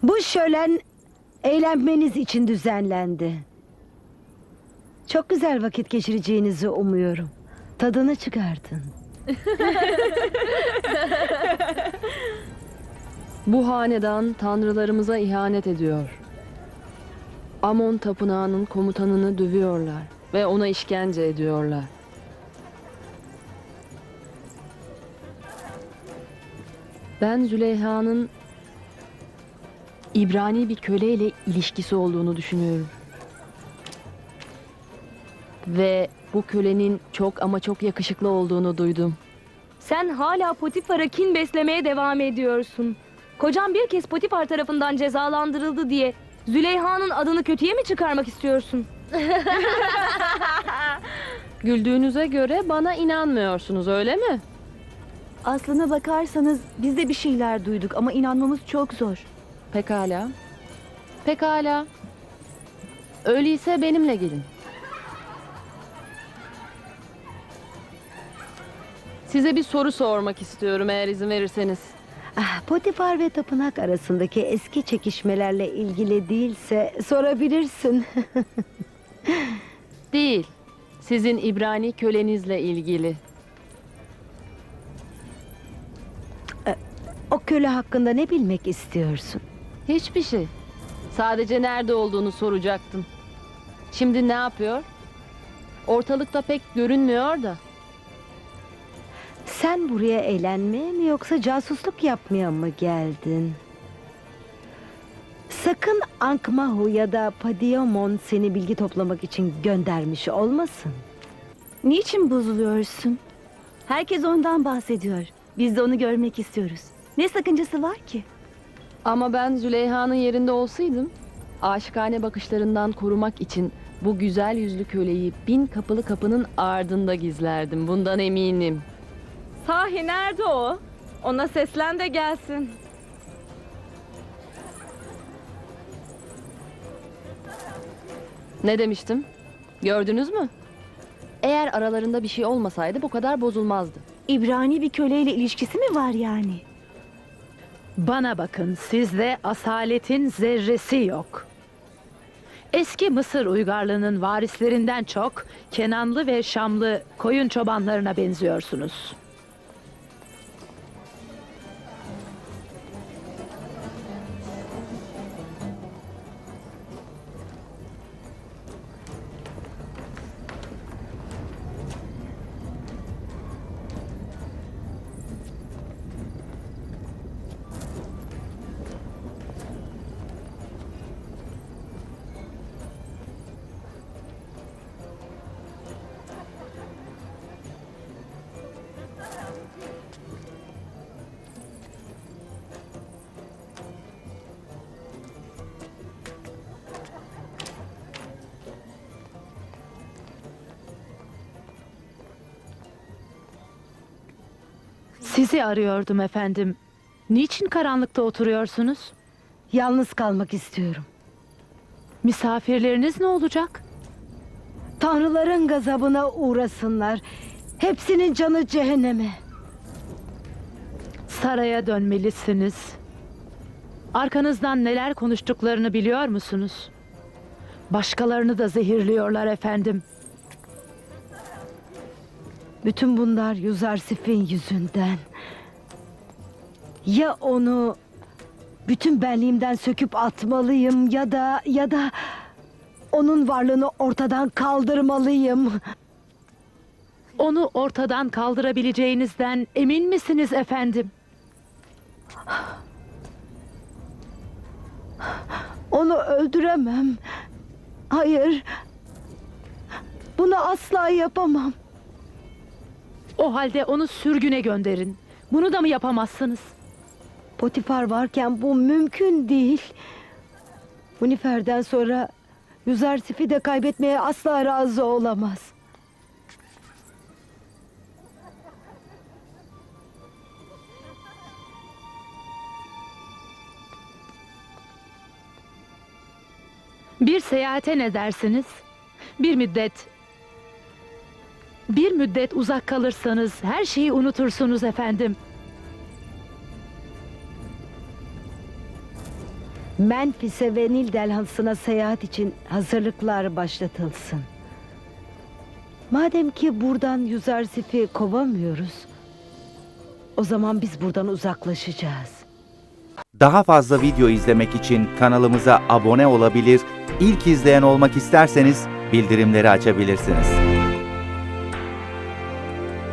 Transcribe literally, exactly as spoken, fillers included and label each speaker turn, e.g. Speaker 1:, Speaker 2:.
Speaker 1: Bu şölen eğlenmeniz için düzenlendi. Çok güzel vakit geçireceğinizi umuyorum. Tadını çıkartın.
Speaker 2: Bu hanedan tanrılarımıza ihanet ediyor. Amon tapınağının komutanını dövüyorlar ve ona işkence ediyorlar. Ben Züleyha'nın İbrani bir köleyle ilişkisi olduğunu düşünüyorum. Ve bu kölenin çok ama çok yakışıklı olduğunu duydum.
Speaker 3: Sen hala Potifar'a kin beslemeye devam ediyorsun. Kocan bir kez Potifar tarafından cezalandırıldı diye Züleyha'nın adını kötüye mi çıkarmak istiyorsun?
Speaker 2: Güldüğünüze göre bana inanmıyorsunuz, öyle mi?
Speaker 4: Aslına bakarsanız biz de bir şeyler duyduk ama inanmamız çok zor.
Speaker 2: Pekala. Pekala. Öyleyse benimle gelin. Size bir soru sormak istiyorum eğer izin verirseniz.
Speaker 1: Ah, Potifar ve tapınak arasındaki eski çekişmelerle ilgili değilse sorabilirsin.
Speaker 2: Değil. Sizin İbrani kölenizle ilgili.
Speaker 1: O köle hakkında ne bilmek istiyorsun?
Speaker 2: Hiçbir şey. Sadece nerede olduğunu soracaktım. Şimdi ne yapıyor? Ortalıkta pek görünmüyor da.
Speaker 1: Sen buraya eğlenmeye mi yoksa casusluk yapmaya mı geldin? Sakın Ankmahu ya da Padiamon seni bilgi toplamak için göndermiş olmasın.
Speaker 4: Niçin bozuluyorsun? Herkes ondan bahsediyor. Biz de onu görmek istiyoruz. Ne sakıncası var ki?
Speaker 2: Ama ben Züleyha'nın yerinde olsaydım, aşikane bakışlarından korumak için bu güzel yüzlü köleyi bin kapılı kapının ardında gizlerdim. Bundan eminim.
Speaker 3: Sahi nerede o? Ona seslen de gelsin.
Speaker 2: Ne demiştim? Gördünüz mü? Eğer aralarında bir şey olmasaydı bu kadar bozulmazdı.
Speaker 4: İbrani bir köleyle ilişkisi mi var yani?
Speaker 5: Bana bakın, sizde asaletin zerresi yok. Eski Mısır uygarlığının varislerinden çok Kenanlı ve Şamlı koyun çobanlarına benziyorsunuz. Sizi arıyordum efendim. Niçin karanlıkta oturuyorsunuz?
Speaker 1: Yalnız kalmak istiyorum.
Speaker 5: Misafirleriniz ne olacak?
Speaker 1: Tanrıların gazabına uğrasınlar. Hepsinin canı cehenneme.
Speaker 5: Saraya dönmelisiniz. Arkanızdan neler konuştuklarını biliyor musunuz? Başkalarını da zehirliyorlar efendim.
Speaker 1: Bütün bunlar Yuzarsif'in yüzünden. Ya onu bütün benliğimden söküp atmalıyım ya da ya da onun varlığını ortadan kaldırmalıyım.
Speaker 5: Onu ortadan kaldırabileceğinizden emin misiniz efendim?
Speaker 1: Onu öldüremem. Hayır. Bunu asla yapamam.
Speaker 5: O halde onu sürgüne gönderin. Bunu da mı yapamazsınız?
Speaker 1: Potifar varken bu mümkün değil. Munifer'den sonra Yuzarsif'i de kaybetmeye asla razı olamaz.
Speaker 5: Bir seyahate ne dersiniz? Bir müddet... Bir müddet uzak kalırsanız her şeyi unutursunuz efendim.
Speaker 1: Memphis'e ve Nil Delhansı'na seyahat için hazırlıklar başlatılsın. Madem ki buradan Yüzarsif'i kovamıyoruz, o zaman biz buradan uzaklaşacağız.
Speaker 6: Daha fazla video izlemek için kanalımıza abone olabilir, ilk izleyen olmak isterseniz bildirimleri açabilirsiniz.